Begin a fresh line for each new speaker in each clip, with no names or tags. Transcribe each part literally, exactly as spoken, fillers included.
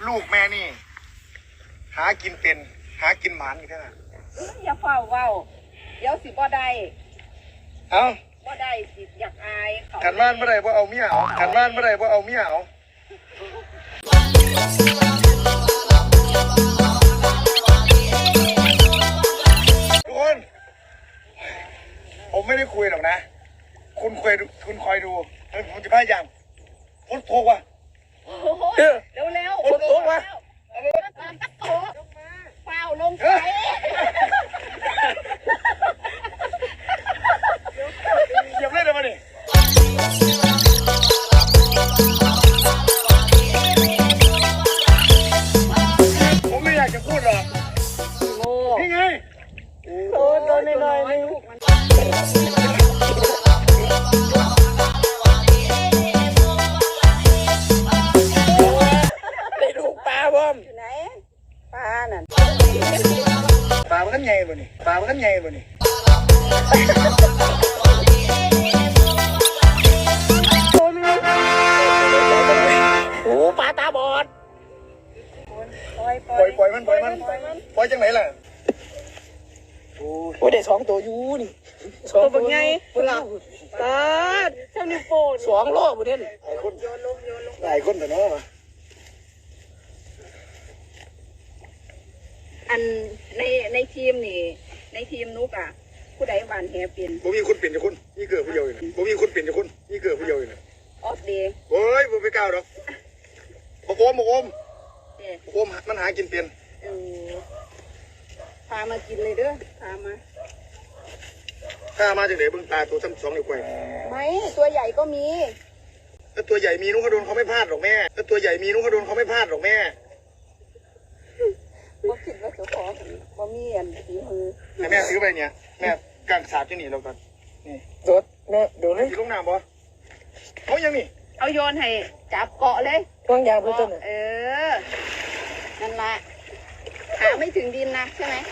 ลูกแม่นี่หากินเป็นหากินหมานอยู่แค่นั้น
อย่าเฝ้าเว้าเดี๋ยวสิบ่ได้
เอ้า
บ่ได้สิอยากอายเขา
ขันบ้านเมื่อไรว่าเอาเมียเอาขันบ้านเมื่อไรว่าเอาเมียเอาทุกคนผมไม่ได้คุยหรอกนะคุณคุยคุณคอยดูแล้วผมจะพยายามพุทโธว่ะ
โอ้โหเร็วเร็ว
พุทโธว่ะ
โถเฝ้าลงไป
เหยียบเล่นเลยมาดิผมไม่อยากจะพูดหรอก
โง่
นี่ไง
โอ้โดนหน่อยนึง
ได้ดูปลาบ่ม
อยู่ไหนปลานั่น
ปลามันกันใหญ่บ่นี่ปลามันกันใหญ่บ่นี่โอ้ปลาตาบอด
ปล่อยป
ป
ล่
ล่
อ
อย ยปล่อยมันปล่อยมันปล่อยจังไหนล่ะโอ้ย
โอ้ยได้สองตัวอยู่นี่สองตัวไงพุ่นละตาเจ้านิ้วโป้สองโลบุเด่น
หลายคนหลายคนแต่เนาะ
อันในในทีมนี่ในทีมนุกอ่ะผู้ใดหวานแหเป็น
บ่มีคนเปลี่ยนจากคนนี่เกิดผู้เดียวอยู่นะบ่มีคนเปลี่ยนจากคนนี่เกิดผู้เดียวอยู่นะ
ออฟเดย์
โอ้ยบ่ไปก้าวดอกบ่โอมบ่โอม
เด้
บ่โอมมันหากินเปลี่ยน
เออพามากินเลยเด้อพามา
ถ้ามาจากไหนเบิ่งตาตัวซ้ำสองนิ้วก้อย
ไม่ตัวใหญ่ก็มี
ถ้าตัวใหญ่มีนุ้งเขาโดนเขาไม่พลาดหรอกแม่ถ้าตัวใหญ่มีนุ้งเขาโดนเขาไม่พลาดหรอกแม่
บ่คิดว่าเจ้าของบ่มีอันฝีมือ
ให้แม่ซื้อไปเนี่ยแม่กางสาบจะหนีเราก่อนนี่
โดดแม่โดดเลย
สีลงน้ำบ่เขายังนี่
เอาโยนให้จับเกาะเลย
วางยางเพื่อนต้น
เออ นั่นละขาไม่ถึงดินนะใช่ไหม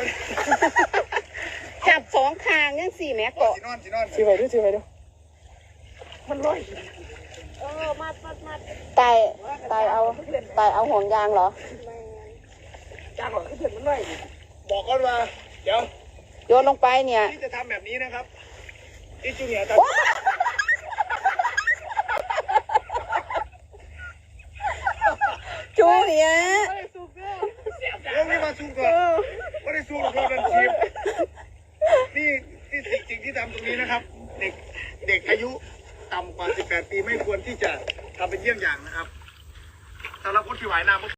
จับสองข้างยังสี่แม่เกาะ
สีนอนสีนอน
ซื้อไปดูซื้อไปดูมันลอย
เออมามามาตายตายเอาตายเอาห่วงยางเหรอ
จางหรอขึ้นเถิดมันลอย
บอกก่อนว่าเดี๋ยว
โยนลงไปเนี่ย
ที่จะทำแบบนี้นะครับที่จูเนียร์ท
จูเนี่ย
ำเรื่องนี้มาสู้ก่อนไม่ได้สู้กับเราดันทีมนี่ที่สิ่งที่ทำตรงนี้นะครับ เด็กเด็กอายุต่ำกว่าสิบแปดปีไม่ควรที่จะทำเป็นเยี่ยงอย่างนะครับสำหรับคนที่หวายน้ำ